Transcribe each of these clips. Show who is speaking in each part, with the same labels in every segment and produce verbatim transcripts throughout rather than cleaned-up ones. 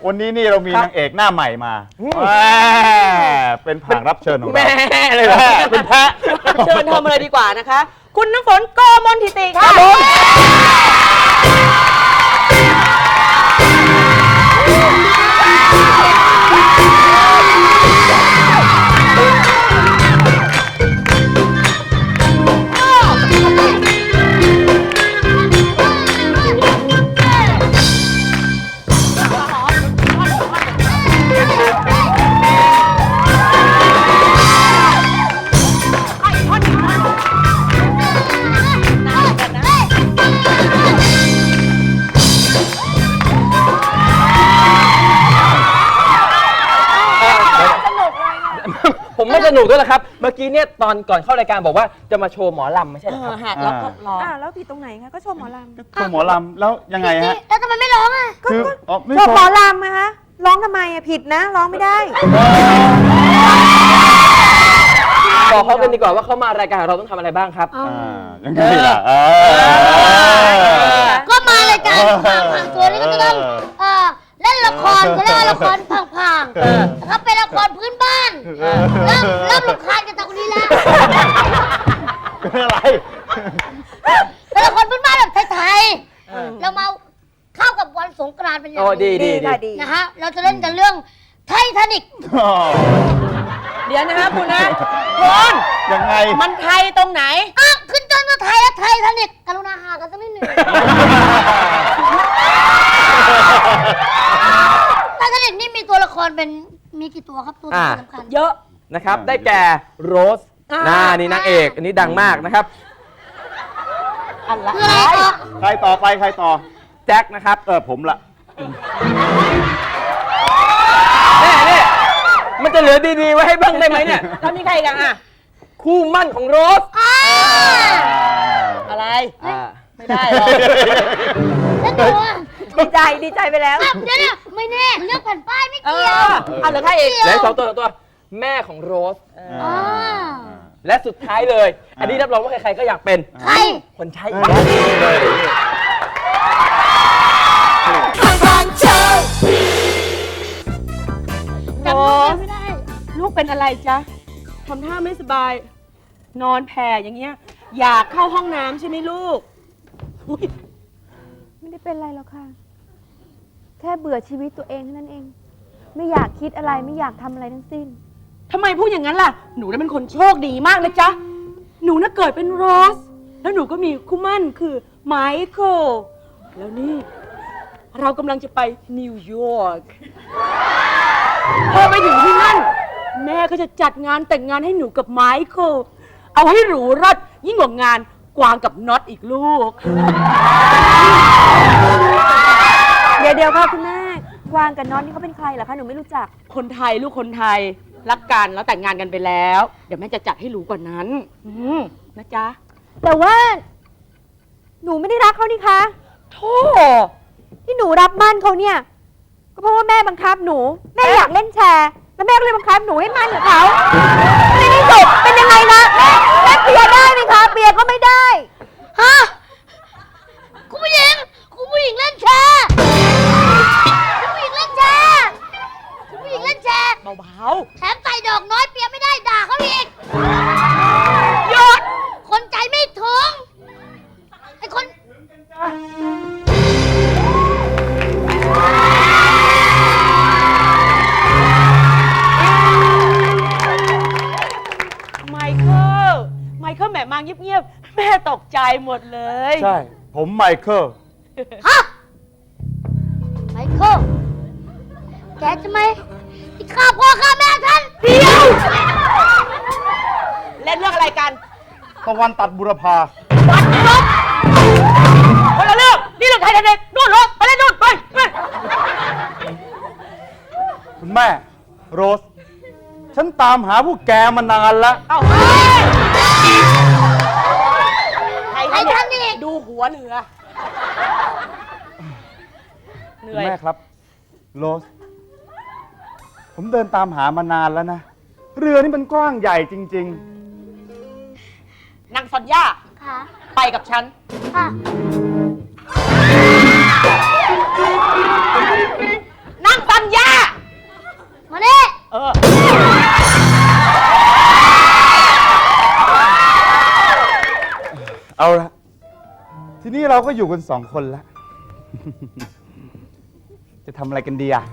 Speaker 1: วันนี้นี่เรามีนางเอกหน้าใหม่มาเป็นผางรับเชิญของเรา
Speaker 2: แม่เลยเหรอเป็นแพะเชิญทำอะไรดีกว่านะคะ คุณน้ำฝนโกมลทิติค่ะผมไม่สนุกด้วยนะครับเมื่อกี้เนี่ยตอนก่อนเข้ารายการบอกว่าจะมาโชว์หมอลำไม่ใช่เหรอครับแล้วก็ร้อง
Speaker 3: แล้วผิดตรงไหนคะก็โชว์หมอลำ
Speaker 1: โชว์หมอลำแล้วยังไงฮะ
Speaker 4: แล้วทำไมไม่ร้องอ่ะ
Speaker 1: คือ
Speaker 3: โชว์หมอลำนะคะร้องทำไมอ่ะผิดนะร้องไม่ได้
Speaker 2: บอกเขากันดีกว่าว่าเขามารายการเราต้องทำอะไรบ้างครับ
Speaker 1: ยังไงล่ะ
Speaker 4: ก็มารายการผ่านตัวนี้ก็จะต้องเล่นละครเขาเรียกว่าละครพังๆนะครับเป็นละครพื้นบ้านเริ่มเริ่มรำคาญกันตรงนี้แล้ว
Speaker 1: เป็นอะไร
Speaker 4: เป็นละครพื้นบ้านแบบไทยๆเรามาเข้ากับวันสงกรานต์เป็นอย่าง
Speaker 2: ดีดี
Speaker 3: ดี
Speaker 4: นะฮะเราจะเล่นกันเรื่องไททานิก
Speaker 2: เดี๋ยวนะฮะคุณนะคุณ
Speaker 1: ยังไง
Speaker 2: มันไทยตรงไหน
Speaker 4: อ่ะขึ้นจนมาไทยแล้วไททานิกกรุณาหากันสักนิดหนึ่งไททานิกนี่มีตัวละครเป็นมีกี่ตัวครับตัวสำคัญ
Speaker 2: เยอะนะครับได้แก่โรสน่านี่นางเอกอันนี้ดังมากนะครับ
Speaker 4: อะไร
Speaker 1: ใครต่อไปใครต่อ
Speaker 2: แจ็คนะครับ
Speaker 1: เออผมละ
Speaker 2: นี่มันจะเหลือดีๆไว้ให้บ้างได้ไหมเนี่ยแล้วมีใครกันอ่ะคู่มั่นของโรสอะไรไม่ได้หรอก
Speaker 3: ดีใจดีใจไปแล้ว
Speaker 4: เดี๋ยวนะไม่แน่เลือกแผ่นป้ายไม่เกี่ยว
Speaker 2: อ่ะเหลือใครอีกเหลือสองตัวตัวแม่ของโรสและสุดท้ายเลยอันนี้รับรองว่าใครๆก็อยากเป็น
Speaker 4: ใคร
Speaker 2: คนใช้
Speaker 3: โรสลูกเป็นอะไรจ๊ะทำท่าไม่สบายนอนแผ่อย่างเงี้ยอยากเข้าห้องน้ำใช่ไหมลูกไม่ได้เป็นอะไรหรอกค่ะแค่เบื่อชีวิตตัวเองเท่านั้นเองไม่อยากคิดอะไรไม่อยากทำอะไรทั้งสิ้นทำไมพูดอย่างนั้นล่ะหนูน่ะเป็นคนโชคดีมากนะจ๊ะหนูน่ะเกิดเป็นโรสแล้วหนูก็มีคู่มั่นคือไมเคิลแล้วนี่เรากำลังจะไปนิวยอร์กพอไปถึงที่นั่นแม่ก็จะจัดงานแต่งงานให้หนูกับไมเคิลเอาให้หรูรอดยิ่งกว่างานกวางกับน็อตอีกลูกเดี๋ยวเดี๋ยวค่ะคุณแม่กวางกับน็อตนี่เขาเป็นใครเหรอคะหนูไม่รู้จักคนไทยลูกคนไทยรักกันแล้วแต่งงานกันไปแล้วเดี๋ยวแม่จะจัดให้หรูกว่านั้นนะจ๊ะแต่ว่าหนูไม่ได้รักเขานี่คะโธ่ที่หนูรับมั่นเขาเนี่ยก็เพราะว่าแม่บังคับหนูแม่อยากเล่นแชร์แล้วแม่ก็เลยบังคับหนูให้มั่นกับเขาในที่สุดเป็นยังไงนะแม่เปียได้ไหมคะเปียก็ไม่ได้
Speaker 4: ฮะคุณผู้หญิงคุณผู้หญิงเล่นแชร์คุณผู้หญิงเล่นแชร์คุณผู้หญิงเล่นแชร์
Speaker 2: เบา
Speaker 4: ๆแถมใส่ดอกน้อยเปียไม่ได้ด่าเขาอีกหยุดคนใจไม่ถึงไอ้คน
Speaker 3: ไมเคิลไมเคิลแหมมาเงียบๆแม่ตกใจหมดเลย
Speaker 1: ใช่ผมไมเคิล
Speaker 4: ฮะไมเคิลแกจะไหมที่ฆ่าพ่อฆ่าแม่ท่าน
Speaker 3: เดียวเล่นเรื่องอะไรกัน
Speaker 1: ตะวันตัดบุรพา
Speaker 3: วัดลบคนละเรื่องนี่เรื่องไทยเด็กนู่นเหรอไปเล่นนู่นไปไป
Speaker 1: คุณแม่โรสฉันตามหาพวกแกมานานแล้ว
Speaker 3: เอ้าไทยท่านนี่ดูหัวเหนือเหนื่อย
Speaker 1: แม่ครับโรสผมเดินตามหามานานแล้วนะเรือนี่มันกว้างใหญ่จริง
Speaker 3: ๆนางซอนย่าไปกับฉันนางซอน
Speaker 1: เอาละทีนี้เราก็อยู่กันสองคนแล้ว จะทำอะไรกันดีอะ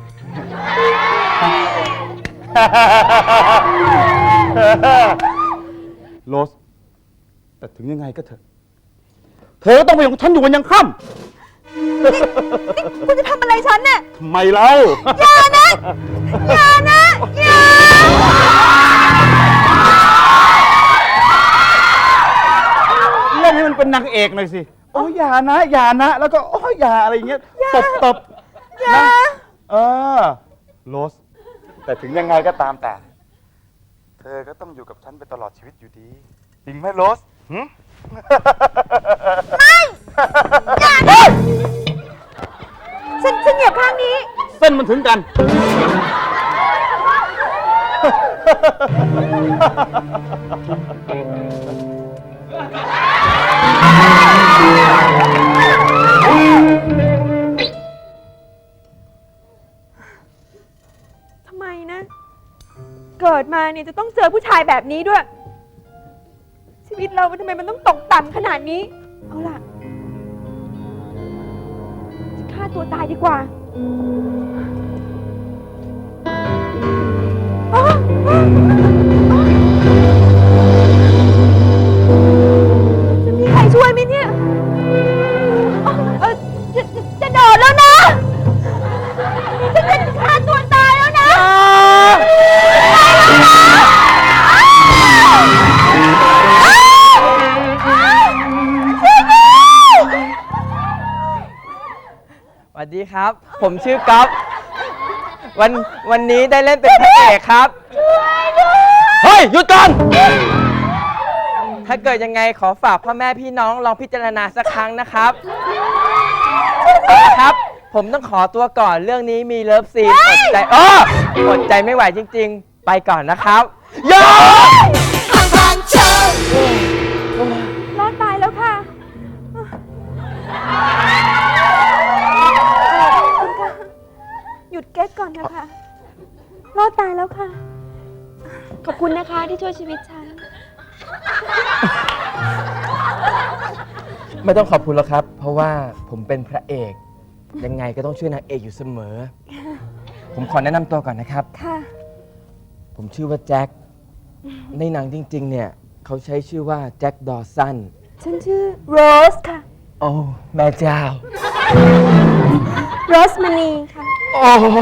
Speaker 1: โรส แต่ถึงยังไงก็เถอะ เธอต้องไปของฉันอยู่วันยังค่ำ
Speaker 3: คุณจะทำอะไรฉันเนี่ย
Speaker 1: ทำไมเล่า
Speaker 3: อย่านะ อย่านะ อย่า
Speaker 1: เล่นให้มันเป็นนางเอกหน่อยสิ โอ้ยอย่านะ อย่านะ แล้วก็โอ้ยอย่าอะไรอย่างเงี้ย ตบตบ
Speaker 3: อย่า
Speaker 1: นะเออ โรส แต่ถึงยังไงก็ตามแต่ เธอก็ต้องอยู่กับฉันไปตลอดชีวิตอยู่ดี จริงไหมโรสหึ
Speaker 3: ไม่ อย่านะฉันฉันเหยียบข้างนี้
Speaker 1: เส้นมันถึงกัน
Speaker 3: ทำไมนะ เกิดมาเนี่ยจะต้องเจอผู้ชายแบบนี้ด้วย ชีวิตเราทำไมมันต้องตกต่ำขนาดนี้ เอาล่ะจะฆ่าตัวตายดีกว่าอ๋ออ๋ออ๋อจะมีใครช่วยไหมเนี่ยอ๋อเออจะจะจะโดดแล้วนะฉันจะฆ่าตัวตายแล้วนะ
Speaker 2: สวัสดีครับ ผมชื่อก๊อฟวันวันนี้ได้เล่นเป็นพระเอกครับ เฮ้ย หยุดก่อน ถ้าเกิดยังไงขอฝากพ่อแม่พี่น้องลองพิจารณาสักครั้งนะครับเอาละครับ ผมต้องขอตัวก่อนเรื่องนี้มีเลิฟซีนอดใจอ้ออดใจไม่ไหวจริง ๆ ไปก่อนนะครับอย่า
Speaker 3: รอดตายแล้วค่ะคุณคะหยุดเก๊กก่อนนะคะ รอดตายแล้วค่ะ ขอบคุณนะคะที่ช่วยชีวิตฉัน
Speaker 2: ไม่ต้องขอบคุณแล้วครับ เพราะว่าผมเป็นพระเอก ยังไงก็ต้องช่วยนางเอกอยู่เสมอ ผมขอแนะนำตัวก่อนนะครับ
Speaker 3: ค่ะ
Speaker 2: ผมชื่อว่าแจ็ค ในหนังจริง ๆ เนี่ยเขาใช้ชื่อว่าแจ็คดอสัน
Speaker 3: ฉันชื่อโรสค่ะ
Speaker 2: โอ้ แม่เจ้า
Speaker 3: โรสมณีค่ะ
Speaker 2: โอ้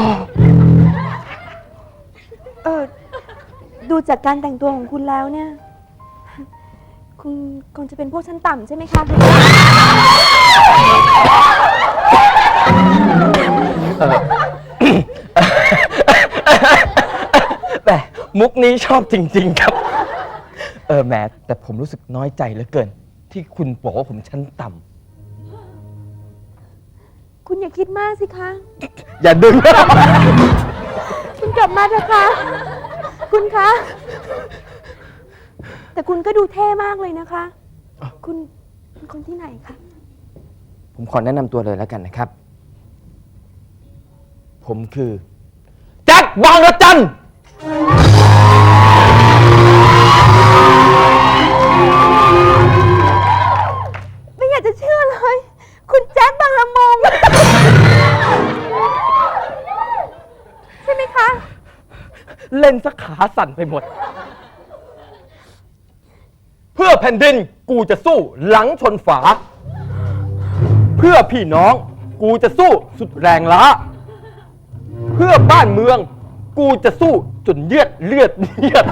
Speaker 3: เออ ดูจากการแต่งตัวของคุณแล้วเนี่ย คุณคงจะเป็นพวกชั้นต่ำใช่ไหมคะ
Speaker 2: แต่มุกนี้ชอบจริง ๆ ครับ เออแหมแต่ผมรู้สึกน้อยใจเหลือเกิน ที่คุณบอกว่าผมชั้นต่
Speaker 3: คุณอย่าคิดมากสิคะ
Speaker 2: ำ อย่าดึง
Speaker 3: คุณกลับมาเถอะคะ คุณคะ แต่คุณก็ดูเท่มากเลยนะคะ คุณเป็นคนที่ไหนคะ
Speaker 2: ผมขอแนะนำตัวเลยแล้วกันนะครับ ผมคือแจ็คบางระจัน
Speaker 3: ไม่อยากจะเชื่อเลย คุณแจ็คบางละมง ใช่ไหมคะ
Speaker 2: เล่นสักขาสั่นไปหมด เพื่อแผ่นดินกูจะสู้หลังชนฝา เพื่อพี่น้องกูจะสู้สุดแรงล้า เพื่อบ้านเมืองกูจะสู้จนเลือดเลือดเลือด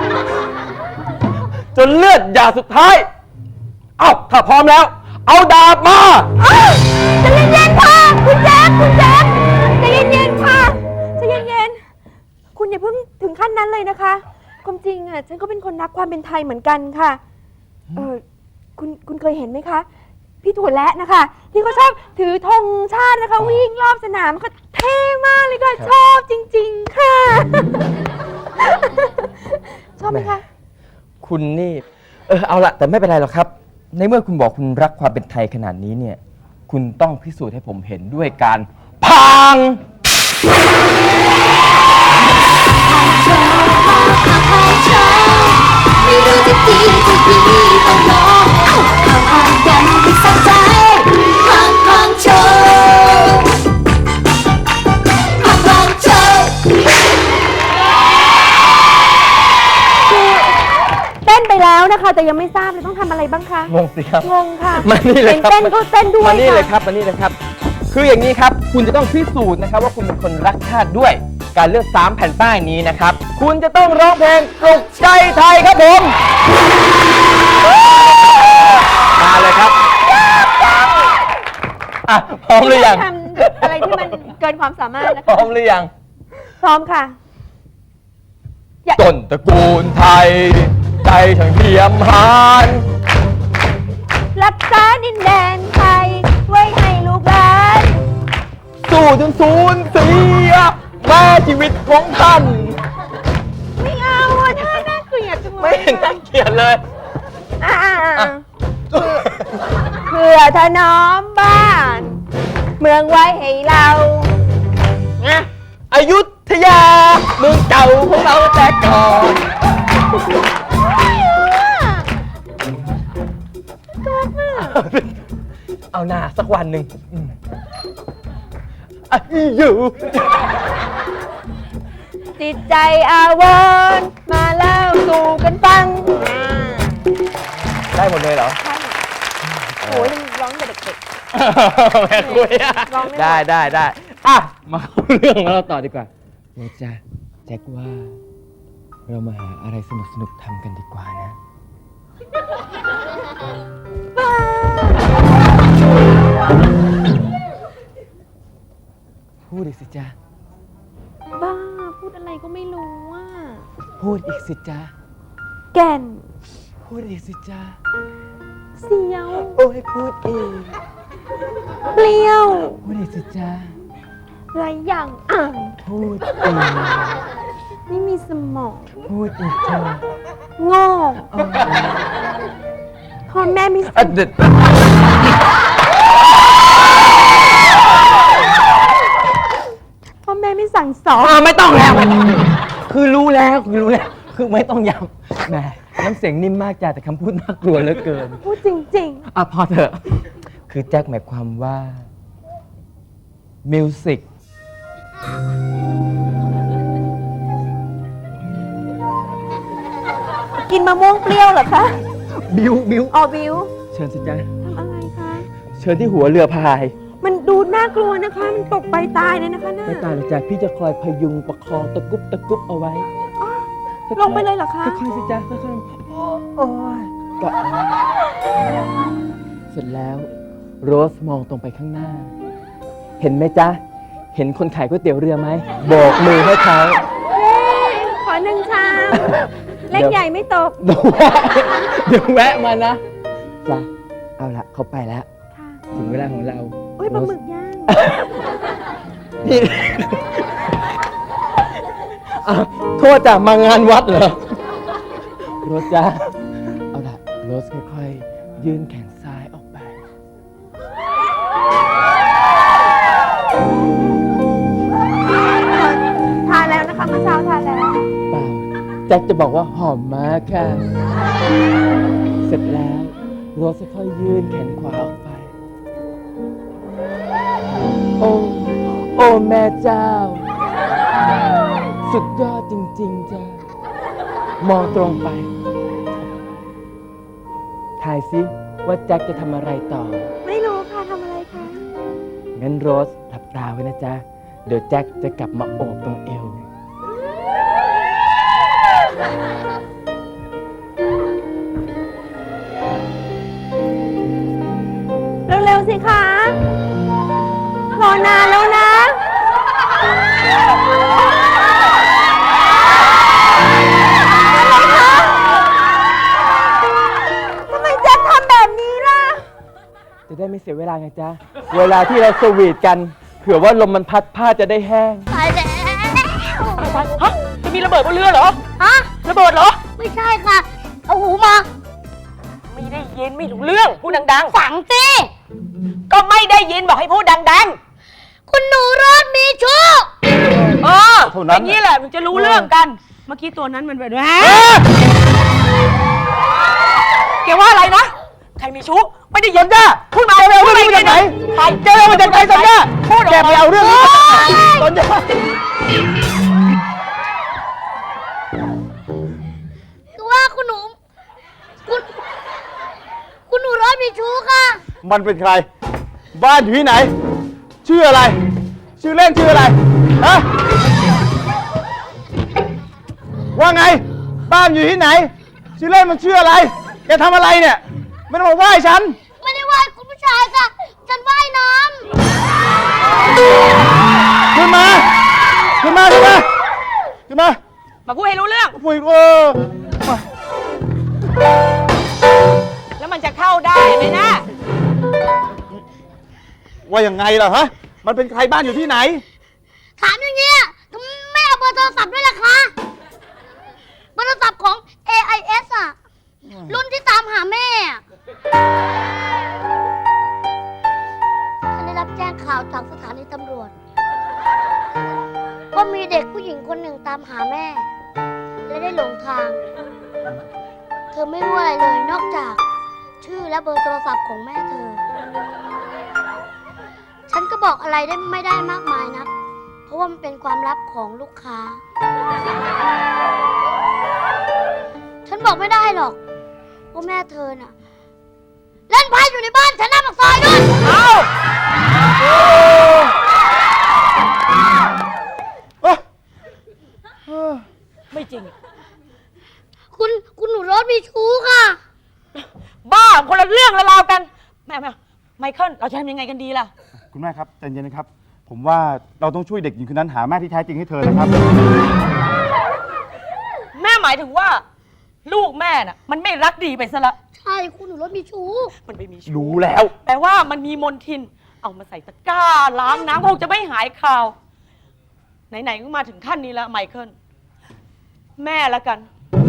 Speaker 2: จนเลือดหยาสุดท้าย เอ้าถ้าพร้อมแล้ว เอาดาบมา
Speaker 3: ใจะเย็นๆค่ะ คุณแจ๊คคุณแจ๊คใจะเย็นๆค่ะใจะเย็นๆคุณอย่าเพิ่งถึงขั้นนั้นเลยนะคะ ความจริงอ่ะฉันก็เป็นคนรักความเป็นไทยเหมือนกันค่ะ เออคุณคุณเคยเห็นไหมคะ พี่ถั่วแระนะคะ ที่เขาชอบถือธงชาตินะคะ วิ่งรอบสนามก็เท่มากเลยค่ะชอบจริง ๆ ค่ะ ชอบไหมคะ
Speaker 2: คุณนี่ เออเอาละแต่ไม่เป็นไรหรอกครับ ในเมื่อคุณบอกคุณรักความเป็นไทยขนาดนี้เนี่ย คุณต้องพิสูจน์ให้ผมเห็นด้วยการพัง
Speaker 4: ไม่รู้จะดีจะดีต้องลองเอาเอาเอา
Speaker 3: ยังไม่ทราบเลยต้องทำอะไรบ้างคะ
Speaker 2: งงสิครับ
Speaker 3: งงค่ะ
Speaker 2: มานี่เลยครับ
Speaker 3: เต้นก็เต้นด้วย
Speaker 2: มานี่เลย
Speaker 3: ค่ะ
Speaker 2: ครับมานี่เลยครับ คืออย่างนี้ครับ คุณจะต้องพิสูจน์นะครับ ว่าคุณเป็นคนรักชาติด้วย การเลือกสามแผ่นป้ายนี้นะครับ คุณจะต้องร้องเพลงปลุกใจไทยครับผม มาเลยครับอ่ะพร้อมหรือยัง
Speaker 3: ทำอะไรที่มันเกินความสามารถนะ
Speaker 2: พร้
Speaker 3: คะ
Speaker 2: อมหรือยัง
Speaker 3: พร้อมค่ะ
Speaker 2: ต้นตระกูลไทย ใจช่างเทียมหาน
Speaker 3: รักษาดินแดนไทย ไว้ให้ลูกหลาน
Speaker 2: สู้จนสูญเสียแม่ชีวิตของท่าน
Speaker 3: ไม่เอาอะท่าน่าเกลียดจังเลย
Speaker 2: ไม่เห็นน่าเกลียดเลย
Speaker 3: อ่า
Speaker 2: อ่ะ
Speaker 3: เพื่อถนอมบ้าน เมืองไว้ให้เรานะ
Speaker 2: อยุธยาเมืองเก่าของเราแต่ก่อน เอาหน้าสักวันหนึ่งอืมอ่ะอยู่
Speaker 3: จิตใจอาวรณ์มาเล่าสู่กันฟัง
Speaker 2: ได้หมดเลยเหรอ
Speaker 3: โอ้ยมันร้องแต่เด็ก
Speaker 2: แม่คุยอ่ะ
Speaker 3: ร้องไม่หมด
Speaker 2: ได้ได้ได้อ่ะ มาเข้าเรื่องของเราต่อดีกว่าโรจ้าแจ็คว่า เรามาหาอะไรสนุกสนุกๆทำกันดีกว่านะ
Speaker 3: ๆบ้า
Speaker 2: พูดอีกสิจ้า
Speaker 3: บ้า พูดอะไรก็ไม่รู้ว่า
Speaker 2: พูดอีกสิจ้า
Speaker 3: แก่น
Speaker 2: พูดอีกสิจ้า
Speaker 3: เสียว
Speaker 2: โอ้ยพูดอีก
Speaker 3: เปรี้ยว
Speaker 2: พูดอีกสิจ้า
Speaker 3: ไรอย่างอ่าน
Speaker 2: พูดอีก
Speaker 3: ไม่มีสมอง
Speaker 2: พูดอีกจ้า
Speaker 3: โง่พ่อแม่ไม่
Speaker 2: อ่ะเด็ด
Speaker 3: พ่อแม่ไม่สั่งสอน
Speaker 2: อ่ะไม่ต้องแล้วไม่ต้องคือรู้แล้วคือรู้แล้ว คือไม่ต้องย้ำแหมน้ำเสียงนิ่มมากจ้าแต่คำพูดน่ากลัวเหลือเกิน
Speaker 3: พูดจริง
Speaker 2: อ่ะพอเถอะ คือแจ็คหมายความว่า มิวสิก
Speaker 3: ๆ กินมะม่วงเปรี้ยวเหรอคะ
Speaker 2: บิวบิว
Speaker 3: ออบิว
Speaker 2: เชิญสิจ้า
Speaker 3: ทำอะไรคะ
Speaker 2: เชิญที่หัวเรือพาย
Speaker 3: มันดูน่ากลัวนะคะ มันตกไปตายเลยนะคะน่า
Speaker 2: ไม่ตายหรอกจ้าพี่จะคอยพยุงประคองตะกุบตะกุบเอาไว้
Speaker 3: อ๋อ
Speaker 2: ค่อๆ
Speaker 3: ลงไปเลยเหรอคะ
Speaker 2: ค่อยๆสิจ้าค่อยๆโอ้ยก็เสร็จแล้ว โรสมองตรงไปข้างหน้า เห็นไหมจ๊ะ เห็นคนขายก๋วยเตี๋ยวเรือไหมโบกมือให้เขา
Speaker 3: เฮ้ยขอหนึ่งชาม เล็กใหญ่ไม่ตก
Speaker 2: เดี๋ยวแวะเดี๋ยวแวะมานะจ้ะเอาละเขาไปแล้ว
Speaker 3: ค่ะ
Speaker 2: ถึงเวลาของเรา
Speaker 3: อุ้ยปลาหมึกย่าง
Speaker 2: นี่ อ่ะโทษจ้ะมางานวัดเหรอโรสจ้ะเอาละโรสค่อยๆยื่นแขนซ้ายออกไป
Speaker 3: ทานแล้วนะคะเมื่อเช้าทานแล้ว
Speaker 2: เปล่าแจ็คจะบอกว่าหอมมากค่ะ เสร็จแล้วโรสค่อยๆยื่นแขนขวาออกไป โอ้ โอ้แม่เจ้า สุดยอดจริง ๆ จ้ะ มองตรงไป ทายซิว่าแจ็คจะทำอะไรต่อ
Speaker 3: ไม่รู้ค่ะทำอะไรคะ
Speaker 2: งั้นโรสหลับตาไว้นะจ๊ะ เดี๋ยวแจ็คจะกลับมาโอบตรงเอว
Speaker 3: เร็วๆสิคะรอนานแล้วนะทำไมแจ็คทำแบบนี้ล่ะ
Speaker 2: จะได้ไม่เสียเวลาไงจ๊ะ เวลาที่เราสวีทกัน เผื่อว่าลมมันพัดผ้าจะได้แห้ง
Speaker 4: ตายแล้ว
Speaker 3: ฮะ จะมีระเบิดบนเรือเหรอ
Speaker 4: ฮะ
Speaker 3: ระเบิดเหรอ
Speaker 4: ไม่ใช่ค่ะ เอาหูมา
Speaker 3: ไม่ได้ยินไม่รู้เรื่อง พูดดัง
Speaker 4: ฝังสิ
Speaker 3: ๆ ก็ไม่ได้ยินบอกให้พูดดัง
Speaker 4: คุณหนูรอดมีชู้
Speaker 3: ๆ เออ
Speaker 1: เท่านั้น
Speaker 3: อย่างนี้แหละมันจะรู้เรื่องกัน เมื่อกี้ตัวนั้นมันแบบว่าแกว่าอะไรนะ ใครมีชู้ ไม่ได้ยินจ้ะพูดมาเร็วๆพูดมาจากไหนใครเจอมาจากไหนสัญญาพูดแกไปเอาเรื่องนี้สัญญา
Speaker 4: คือว่าคุณหนู คคุณ คุณหนูรถมีชู้ค่ะ
Speaker 1: มันเป็นใคร บ้านอยู่ที่ไหน ชื่ออะไร ชื่อเล่นชื่ออะไร ฮะ ว่าไง บ้านอยู่ที่ไหน ชื่อเล่นมันชื่ออะไร แกทำอะไรเนี่ย ไม่ต้องมาไหว้ฉัน
Speaker 4: ไม่ได้ไหว้คุณผู้ชายค่ะ ฉันว่ายน้
Speaker 1: ขึ้นมา ขึ้นมา ขึ้นมา ขึ้นมา
Speaker 3: มาพูดให้รู้เรื่อง
Speaker 1: ปุยเออมา
Speaker 3: แล้วมันจะเข้าได้ไหมนะ
Speaker 1: ว่ายังไงล่ะฮะ มันเป็นใครบ้านอยู่ที่ไหน
Speaker 4: ำถามอย่างเงี้ยทำไมไม่เอาเบอร์โทรศัพท์ด้วยล่ะคะเบอร์โทรศัพท์ของ เอ ไอ เอส อ่ะ รุ่นที่ตามหาแม่อะฉันได้รับแจ้งข่าวจากสถานีตำรวจว่ามีเด็กผู้หญิงคนหนึ่งตามหาแม่ และได้หลงทาง เธอไม่รู้อะไรเลยนอกจาก ชื่อและเบอร์โทรศัพท์ของแม่เธอ ฉันก็บอกอะไรได้ไม่ได้มากมายนะเพราะว่ามันเป็นความลับของลูกค้า ฉันบอกไม่ได้หรอกว่าแม่เธอน่ะ เล่นไพ่อยู่ในบ้านฉันหน้าปากซอยด้วย
Speaker 3: เอา
Speaker 1: เอ้ย
Speaker 3: ไม่จริง
Speaker 4: คุณคุณหนูรถมีชู้ค่ะ
Speaker 3: บ้าคนละเรื่องละราวกัน แม่แม่ไมเคิลเราจะทำยังไงกันดีล่ะ
Speaker 1: คุณแม่ครับใจเย็นนะครับ ผมว่าเราต้องช่วยเด็กหญิงคนนั้นหาแม่ที่แท้จริงให้เธอนะครับ
Speaker 3: แม่หมายถึงว่า ลูกแม่น่ะ มันไม่รักดีไปซะละ
Speaker 4: ใช่คุณหนูรถมีชู้
Speaker 3: มันไปมีชู้
Speaker 1: รู้แล้ว
Speaker 3: แปลว่ามันมีมนทิน เอามาใส่ตะกร้าล้างน้ำคงจะไม่หายคาว ไหนๆก็มาถึงขั้นนี้แล้วไมเคิลแม่ละกัน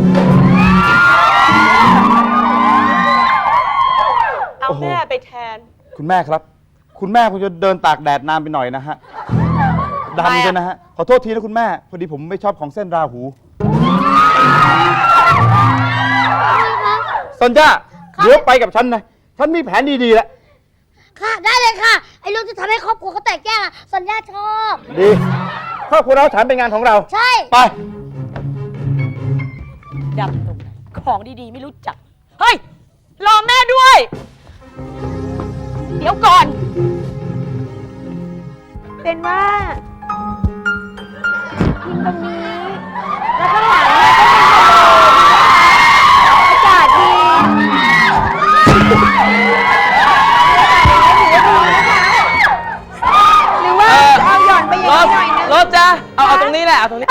Speaker 3: เอา
Speaker 1: โอ้โห
Speaker 3: แม่ไปแทน
Speaker 1: คุณแม่ครับ คุณแม่คงจะเดินตากแดดนานไปหน่อยนะฮะดำเลยนะฮะ ขอโทษทีนะคุณแม่ พอดีผมไม่ชอบของเส้นราหูสัญญาเดี๋ยวไปกับฉันนะ ฉันมีแผนดีๆแล้ว
Speaker 4: ค่ะ ได้เลยค่ะ ไอ้เรื่องที่ทำให้ครอบครัวเขาแตกแยกอะสัญญาชอบ
Speaker 1: ดีครอบครัวเราฉันเป็นงานของเรา
Speaker 4: ใช่
Speaker 1: ไป
Speaker 3: ดำตรงไหนของดีๆ ไม่รู้จัก เฮ้ย รอแม่ด้วย เดี๋ยวก่อน
Speaker 5: เป็นว่ายิงตรงนี้ แล้วข้างหลังเนี่ยก็เป็นทะเลอากาศดีหรือว่าจะเอาหย่อนไปอย่างนี้หน่อยนึง
Speaker 2: รถจ้ะเอาเอาตรงนี้แหละ เอาตรงนี้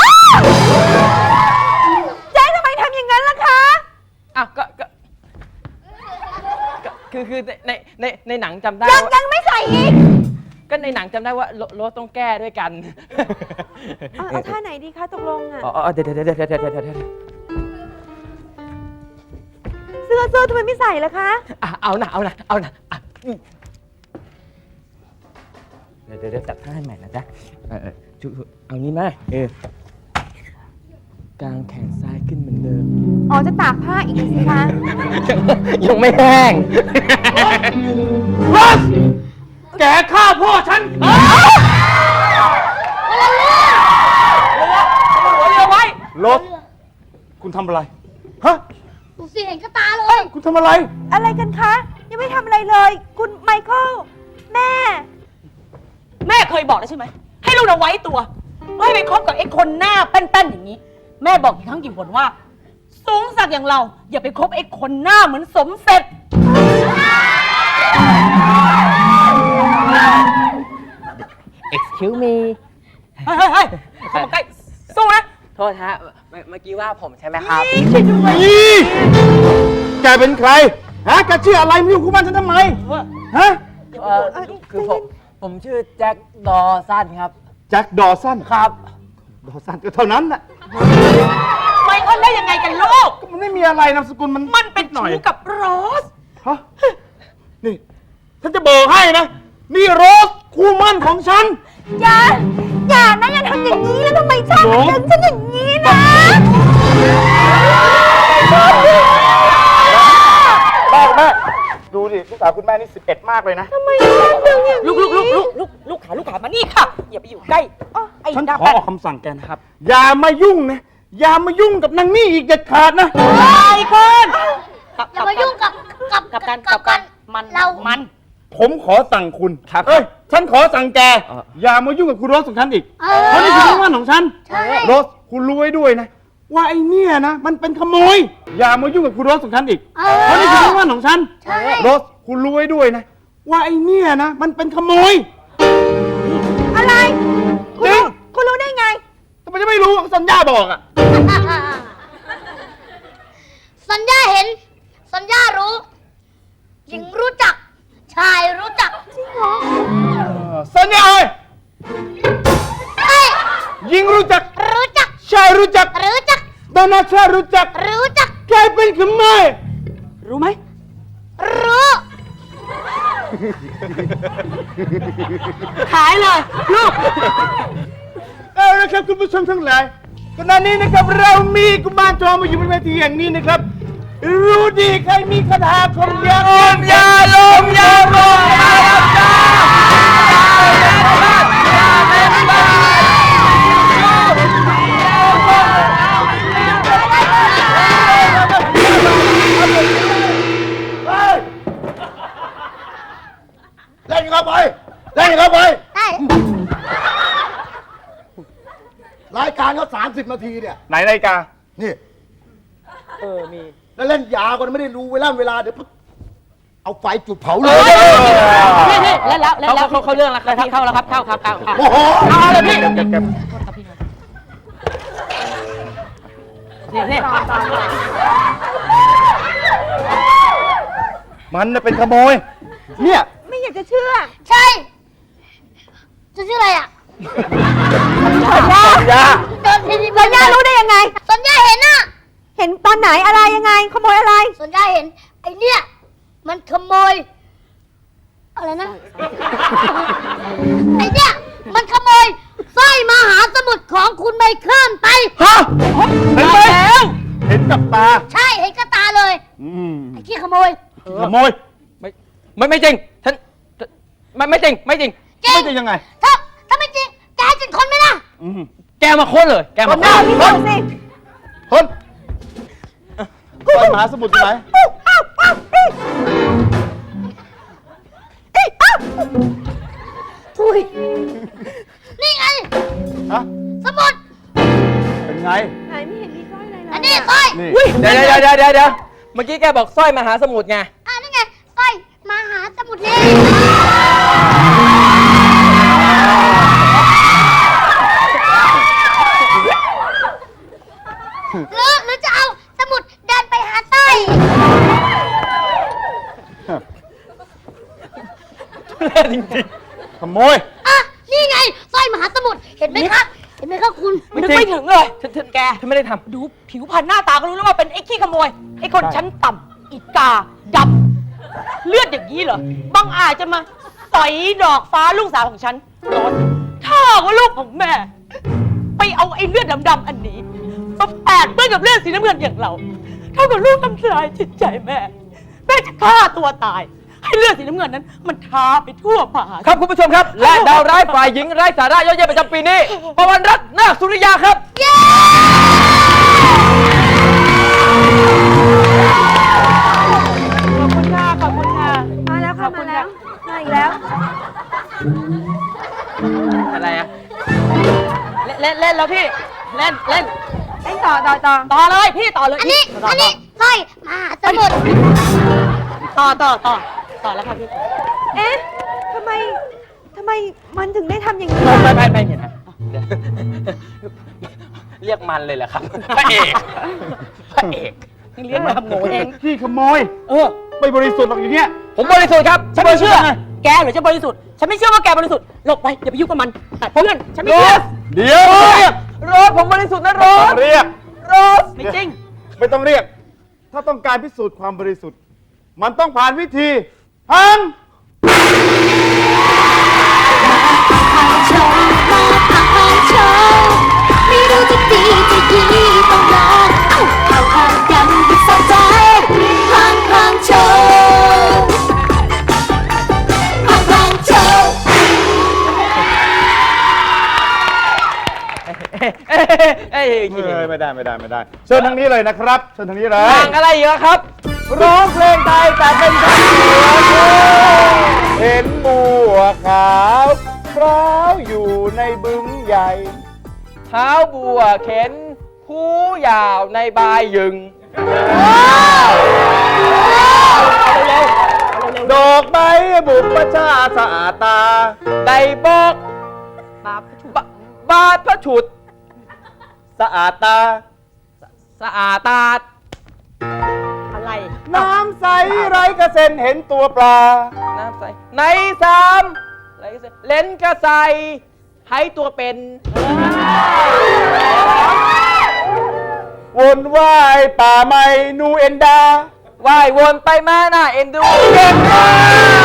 Speaker 5: เจ๊ทำไมทำอย่างนั้นล่ะคะ
Speaker 2: อ่ะก็ก็ก็คือคือในในในหนังจำได้
Speaker 5: ยัง
Speaker 2: ว่า
Speaker 5: ยังไม่ใส่อีก
Speaker 2: ก็ในหนังจำได้ว่าโลโรสต้องแก้ด้วยกัน
Speaker 5: เอาเอาท่าไหนดีคะตกลงอ่ะ
Speaker 2: อ๋อเดี๋ยวเดี๋ยวเดี๋ยวเดี๋ยวเดี๋ยวเดี๋ยวเดี๋ยว
Speaker 5: เสื้อเสื้อทำไมไม่ใส่ล่ะคะ
Speaker 2: อ่ะเอานะเอานะเอานะอ่ะอืมเดี๋ยวเดี๋ยวเดี๋ยวจัดท่าให้ใหม่นะจ๊ะเออเออจุเอางี้ไหมเออกางแขนซ้ายขึ้นเหมือนเดิม
Speaker 5: อ๋อจะตากผ้าอีกสิคะ
Speaker 2: ยังไม่แห้งรถแกฆ่าพ่อฉัน
Speaker 3: หัวเรือไว้
Speaker 1: รถ คุณทำอะไร ฮะ
Speaker 4: ดูสิเห็นกระตาเลย
Speaker 1: คุณทำอะไร
Speaker 5: อะไรกันคะ ยังไม่ทำอะไรเลย คุณไมเคิลแม่
Speaker 3: แม่เคยบอกแล้วใช่ไหม ให้ลูกเราไว้ตัว ไม่ไปคบกับไอ้คนหน้าแป้นๆอย่างนี้ แม่บอกกี่ครั้งกี่หนว่า สูงสักอย่างเรา อย่าไปคบไอ้คนหน้าเหมือนสมเสร็จ
Speaker 2: excuse me
Speaker 3: เฮ้ยเฮ้ยเฮ้ยเข้ามาใกล้สู้นะ
Speaker 2: โทษฮะเมื่อเมื่อกี้ว่าผมใช่ไหมครับ
Speaker 3: ช่วยด้วย
Speaker 1: นี่แกเป็นใคร ฮะ แกชื่ออะไรมาอยู่คู่บ้านฉันทำไม ฮะ
Speaker 2: เออคือผมผมชื่อแจ็คดอสันครับ
Speaker 1: แจ็คดอสัน
Speaker 2: ครับ
Speaker 1: ดอสันก็เท่านั้นน่ะ
Speaker 3: ไมเคิลได้ยังไงกันลูก
Speaker 1: ก็มันไม่มีอะไรนามสกุลมัน
Speaker 3: มันเป็น
Speaker 1: หน่อย
Speaker 3: ชู้กับโรส
Speaker 1: ฮะ นี่ ฉันจะบอกให้นะ นี่โรสคู่มั่นของฉัน
Speaker 5: อย่า อย่านะอย่าทำอย่างนี้แล้วทำไมชอบ
Speaker 1: โอ้
Speaker 5: ดึงฉันอย่างนี้นะ
Speaker 1: แม่แม่ดูดิลูกสาวคุณแม่นี่สิบเอ็ดมากเลยนะ
Speaker 5: ทำไมดึงอย่าง
Speaker 3: ลูกลูกลูกลูกลูกลูกขาลูกขามานี่ค่ะ อย่าไปอยู่ใกล้ไอ้
Speaker 1: ฉัน
Speaker 3: ดา
Speaker 1: ขอ
Speaker 3: แป้น
Speaker 1: ออกคำสั่งแกนะครับ อย่ามายุ่งนะ อย่ามายุ่งกับนางนี่อีกเด็ดขาดนะ
Speaker 3: ไอ้คนกับ
Speaker 4: อย่ามายุ่งกับกับ
Speaker 3: กับกันกับกันมัน
Speaker 4: เรา
Speaker 3: มัน
Speaker 1: ผมขอสั่งคุณ
Speaker 2: ครับ
Speaker 1: เอ้ย ฉันขอสั่งแก
Speaker 2: เออ
Speaker 1: อย่ามายุ่งกับคุณโรสของฉันอีก
Speaker 4: เอ
Speaker 1: เพราะนี่คือ
Speaker 4: อ
Speaker 1: เรื่องของฉัน
Speaker 4: ใช่
Speaker 1: โรส คุณรู้ไว้ด้วยนะ ว่าไอ้เนี่ยนะ มันเป็นขโมย อย่ามายุ่งกับคุณโรสของฉันอีก
Speaker 4: เออ
Speaker 1: เพราะนี่คือเรื่องของฉัน
Speaker 4: ใช่
Speaker 1: โรส คุณรู้ไว้ด้วยนะ ว่าไอ้เนี่ยนะ มันเป็นขโมย
Speaker 5: อะไร คุณรู้คุณรู้ได้ไง
Speaker 1: ทำไมจะไม่รู้สัญญาบอกอ่ะ
Speaker 4: สัญญาเห็น สัญญารู้ หญิงรู้จัก ชายรู้จัก จริงเหรอ
Speaker 1: สัญญาเอ้ย
Speaker 4: เอ้ย
Speaker 1: ยิงรู้จัก
Speaker 4: รู้จัก
Speaker 1: ชายรู้จัก
Speaker 4: รู้จัก
Speaker 1: ดานาชารู้จัก
Speaker 4: รู้จัก
Speaker 1: ใครเป็นขโมย
Speaker 3: รู้ไหม
Speaker 4: รู้
Speaker 3: ขายเลยลูก
Speaker 1: เอาละครับคุณผู้ชมทั้งหลายขณะนี้นะครับเรามีกุมารทองมาอยู่บนเวทีอย่างนี้นะครับ รู้ดีใครมีคาถาคมยาลมยาลมยาลมยาลมยา
Speaker 6: เล่นเข้าไปเล่นเข้าไป
Speaker 4: ได้
Speaker 6: รายการเขาสามสิบนาทีเนี่ย
Speaker 1: ไหนนาฬิกา
Speaker 6: นี่
Speaker 3: เออ มี
Speaker 6: แล้วเล่นยาวกว่านั้นไม่ได้รู้เวลาเวลาเดี๋ยวเอาไฟจุดเผาเลย
Speaker 3: นี่นี่เล่นแล้วเล่นแล้วเขาเขาเรื่องแล้วครับพี่เข้าแล้วครับเข้าครับเข้าเข้า
Speaker 6: โอ้โห
Speaker 3: เอาเลยพี่
Speaker 1: เก็บเก็บเก็บ
Speaker 3: นี่นี่
Speaker 1: มันน่ะเป็นขโมย เนี่ย
Speaker 5: ไม่อยากจะเชื่อ
Speaker 4: ใช่ จะชื่ออะไรอ่ะ
Speaker 5: สัญญา
Speaker 1: สัญญา
Speaker 4: เดินทีนี้
Speaker 5: สัญญารู้ได้ยังไง
Speaker 4: สัญญาเห็นอ่ะ
Speaker 5: เห็นตอนไหนอะไรยังไง ขโมยอะไร
Speaker 4: สัญญาเห็น ไอเนี่ย มันขโมย อะไรนะ ไอเนี่ย มันขโมยสร้อยมหาสมุทรของคุณไมเคิลไป
Speaker 1: ฮะเห็นไหมเห็นกับตา
Speaker 4: ใช่เห็นกับตาเลย
Speaker 1: อืม
Speaker 4: ไอ้ที่ขโมย
Speaker 1: ขโมย
Speaker 2: ไม่ไม่ไม่จริงฉันไม่ไม่จริงไม่จริง
Speaker 4: จริง
Speaker 1: ไม่จะยังไง
Speaker 4: ถ้าถ้าไม่จริงแกจริงคนไหมล่ะ
Speaker 1: อืม
Speaker 2: แกมาค้นเลย แกมา
Speaker 1: หน้า
Speaker 2: ค้น
Speaker 1: พี่
Speaker 5: ดู
Speaker 1: คน
Speaker 5: สิ
Speaker 1: คนไปมหาสมุทรอยู่ไหน
Speaker 4: ทุยนี่ไง
Speaker 1: ฮะ
Speaker 4: สมุด
Speaker 1: เป็นไง
Speaker 5: ไหนไม่เห็นมีสร้อยอะไรเลย
Speaker 4: อันนี้สร้อย
Speaker 1: นี่
Speaker 2: เดี๋ยวเดี๋ยวเดี๋ยวเดี๋ยวเดี๋ยวเมื่อกี้แกบอกสร้อยมหาสมุทรไง
Speaker 4: อ่านี่ไงสร้อยมหาสมุทรนี่หรือหรือจะเอาสมุดเดินไปหาสร้อย
Speaker 2: จริง
Speaker 1: ขโมย
Speaker 4: อ่ะนี่ไงสร้อยมหาสมุทรเห็นไหมครับเห็นไหมครับคุณ
Speaker 2: ๆ
Speaker 3: นึกไม่ถึงเลย
Speaker 2: ฉันฉัน
Speaker 3: แก
Speaker 2: ฉันไม่ได้ท
Speaker 3: ดูผิวพรรณหน้าตาก็รู้แล้วว่าเป็นไอ้ขี้ขโมย ไอ้คน
Speaker 1: ใช่
Speaker 3: ชั้นต่ำอีกาดำเลือดอย่างนี้เหรอ บังอาจจะมาสอยดอกฟ้าลูกสาวของฉันโดนถ้าว่าลูกของแม่ ไปเอาไอ้เลือดดำๆอันนี้มาแปดเปื้อนกับเลือดสีน้ำเงินอย่างเรา เท่ากับลูกทำลายจิตใจแม่ แม่จะฆ่าตัวตาย ให้เลือดสีน้ำเงินนั้น มันทาไปทั่วป่า
Speaker 2: ำครับคุณผู้ชมครับ และดาวร้ายฝ่ายหญิงไร้สาระยอดเยี่ยมประจำปีนี้ปวันรัตน์นาคสุริยาครับ
Speaker 3: ขอบคุณค่ะ ขอบคุณค่ะ
Speaker 5: มาแล้วค่ะ
Speaker 3: ขอบคุ
Speaker 5: มา
Speaker 3: ณ
Speaker 5: แล้ว
Speaker 3: ค่ะ
Speaker 5: มาอีกแล้ว
Speaker 2: อะไรอะ
Speaker 3: เล่นเล่นแล้วพี่ เล่นเล่น
Speaker 5: เล่นต่อต่อต่อ
Speaker 3: ต่อเลยพี่ต่อเลย
Speaker 4: อันนี้
Speaker 3: ต่
Speaker 4: อันนี้สร้อยมหาสมุทร
Speaker 3: ต่อต่อต่อต่อแล้วค่ะพี่
Speaker 5: เอ๊ะทำไมทำไมมันถึงได้ทำอย่างนี้
Speaker 2: ไม่ไม่ไม่ไม่เห็นนะเดี๋ยวเรียกมันเลยเหรอครับพระเอกพระเอก
Speaker 3: เลี้ยงมาทำโง่เอง
Speaker 1: ขี้ขโมย
Speaker 3: เออ
Speaker 1: ไม่บริสุทธิ์หรอกอย่างเงี้ย
Speaker 2: ผมบริสุทธิ์ครับ
Speaker 3: ฉันไม่เชื่อ แกเหรือจะบริสุทธิ์ ฉันไม่เชื่อว่าแกบริสุทธิ์ หลบไป อย่าไปยุ่งกับมันตัดเพื่อน ฉันไม่
Speaker 2: โร
Speaker 3: เชื่อ
Speaker 2: ส
Speaker 1: เดี๋ยว
Speaker 2: เรียกโรสผมบริสุทธิ์นะโร
Speaker 1: ต้อ
Speaker 2: ส
Speaker 1: งเรียก
Speaker 2: โรส
Speaker 3: ไม่จริง
Speaker 1: ไม่ต้องเรียก ถ้าต้องการพิสูจน์ความบริสุทธิ์ มันต้องผ่านวิธีหัง
Speaker 4: ไม่รู้จะดีจะดีต้องลองเอาเอาเอากันที่สนใจพังพังโชว์พังพังโชว์
Speaker 2: เอ้ยเอ้ยเอ้ย
Speaker 1: ยไม่ได้ไม่ได้ไม่ได้เชิญทางนี้เลยนะครับเชิญทางนี้เลย
Speaker 2: ทางอะไรเยอะครับ
Speaker 1: ร้องเพลงไทยแต่เป็นชาวเหนือเห็นบัวขาวพร้าวอยู่ในบึงใหญ่
Speaker 2: เท้าบัวเข็นผู้ยาวในบายยึง
Speaker 1: ดอกไม้บุปชาสะอาดตา
Speaker 2: ได้บอกบาทบาทพระฉุด
Speaker 1: สะอาดตา
Speaker 2: สะอาดตา
Speaker 1: น้ำใสไร้กระเซ็นเห็นตัวปลา
Speaker 2: น้ำใสในสามไหลเสเล่นกระใสให้ตัวเป็น
Speaker 1: วนว่ายป่าไม้นูเอ็นดา
Speaker 2: ว่ายวนไปมาหน้าเอ็นดู
Speaker 1: เก่งมาก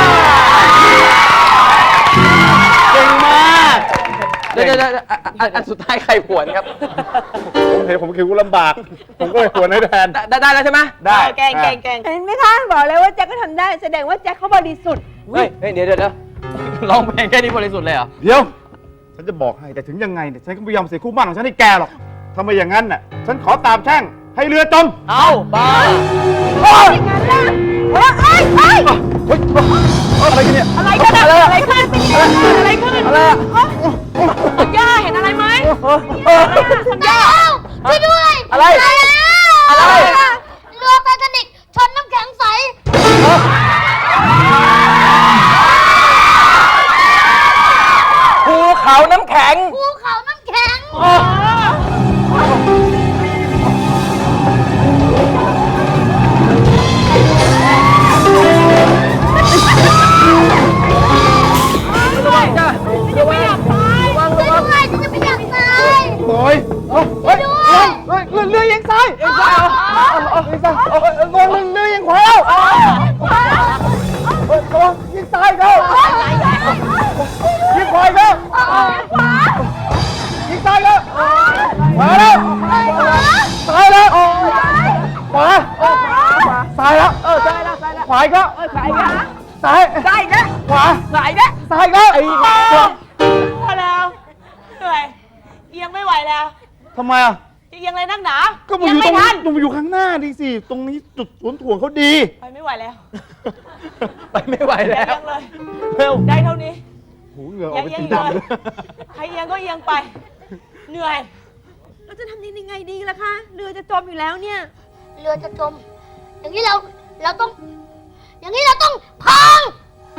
Speaker 1: เก่งมาก
Speaker 2: เดี๋ยวเดี๋ยวเดี๋ยวอ่ะอ่ะอันสุดท้ายใครผวนครับ
Speaker 1: ผมเห็นผมคิดว่าลำบาก ผมก็เลยควรให้แทน
Speaker 2: ได้ได้แล้วใช่ไหม
Speaker 1: ได้
Speaker 5: แกงแกงแกงเห็นไหมคะบอกเลยว่าแจ็คก็ทำได้ แสดงว่าแจ็คเขาบริสุทธิ์
Speaker 2: เฮ้ยเฮ้ยเดี๋ยวเดี๋ยวเดี๋ยวร้องเพลงแค่นี้บริสุทธิ์เลยเหรอ
Speaker 1: เดี๋ยว ฉันจะบอกให้แต่ถึงยังไงเนี่ยฉันก็ไม่ยอมเสียคู่หมั่นของฉันให้แกหรอกถ้าไม่อย่างนั้นน่ะฉันขอตามแช่งให้เรือจม
Speaker 2: เอาบ้า
Speaker 1: โอ๊ย
Speaker 5: งั้นล่ะเฮ้ยเฮ้ยเฮ้ย
Speaker 1: เฮ้ยอะไรกันเนี่ย
Speaker 5: อะไรกันอะอะไรขึ้นเป็นยังไงอะไรขึ้น
Speaker 2: อะไรอะ
Speaker 5: สัญญาเห็นอะไรไหมสัญญา
Speaker 4: ช่วยด้วย
Speaker 2: อะไร
Speaker 4: ตายแล้ว
Speaker 2: อะไร
Speaker 4: เรือไททานิกชนน้ำแข็งใส
Speaker 2: ภูเขาน้ำแข็ง
Speaker 4: ภูเขาน้ำแข็ง
Speaker 5: จะไม่อยากตาย
Speaker 4: ช่วยด้วยฉันจะไม่อยากตาย
Speaker 1: โอ้ยเฮ้ย
Speaker 4: ช่วยด้วย
Speaker 1: เฮ้ยเรือเรือยังซ้ายเอ็งซ้ายเหรอเอ็งซ้ายเอ้ยเรือเรือยังขวาแล้วเฮ้ยระวังยิงซ้ายแล้วยิงขวาอีกแล้วยิงซ้ายแล้วขวาแล้วซ้ายแล้วขวาซ้ายแล้วเออซ้ายแล้วซ้ายแล้วขวาอีกแล้วขวาอีกแล้วซ้ายซ้ายอีกแล้วขวาซ้ายอีกแล้วซ้ายอีกแล้วไอ้ขวา
Speaker 5: พอแล้วเหนื่อยเอียงไม่ไหวแล้ว
Speaker 1: ทำไมอ่ะ
Speaker 5: จะเอียงเลยนักหนา
Speaker 1: ก็มาอยู่ตรงนี้ตรงมาอยู่ข้างหน้าดิสิ ตรงนี้จุดสวนถ่วงเขาดี
Speaker 5: ไปไม่ไหวแล้ว
Speaker 2: ไปไม่ไหว
Speaker 5: อย่า
Speaker 2: แล้ว
Speaker 5: เอียงเลย
Speaker 1: เร็ว
Speaker 5: ได้เท่านี้
Speaker 1: หูเหงื่ออ
Speaker 5: อ
Speaker 1: อก
Speaker 5: ย่า
Speaker 1: เป็น
Speaker 5: เอียง
Speaker 1: สี
Speaker 5: เลย
Speaker 1: ดำเลย
Speaker 5: ใครเอียงก็เอียงไป เหนื่อย
Speaker 3: เราจะทำยังไงดีล่ะคะ เรือจะจมอยู่แล้วเนี่ย
Speaker 4: เรือจะจม อย่างนี้เรา เราต้อง อย่างนี้เราต้องพัง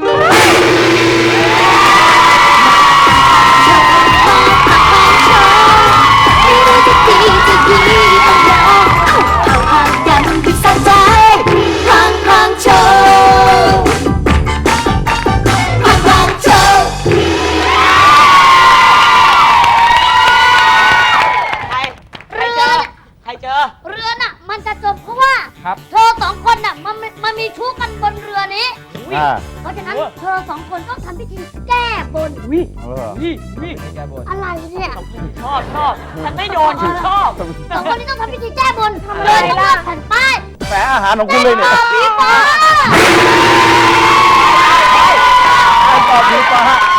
Speaker 5: ใคร ใครเจอ ใครเจอ
Speaker 4: เรือน่ะ มันจะจมเพราะว่า
Speaker 2: ครับ
Speaker 4: เธอสองคนน่ะมันมันมีชู้กันบนเรือนี้
Speaker 1: อ่า
Speaker 4: เพราะฉะนั้นเธอสองคนต้องทำพิธีแก้บน
Speaker 1: เออ
Speaker 2: นี่นี่แกบน
Speaker 4: อะไรเนี่ย
Speaker 5: ชอบชอบฉันไม่โดนฉันชอบ
Speaker 4: สองคนนี้ต้องทำพิธีแก้บนเดินต้องเลือกแผ่นป้าย
Speaker 1: แฝงอาหารของคุณเลยเนี่ย
Speaker 4: ผีฟ้า
Speaker 1: ไอ้กอบผีฟ้า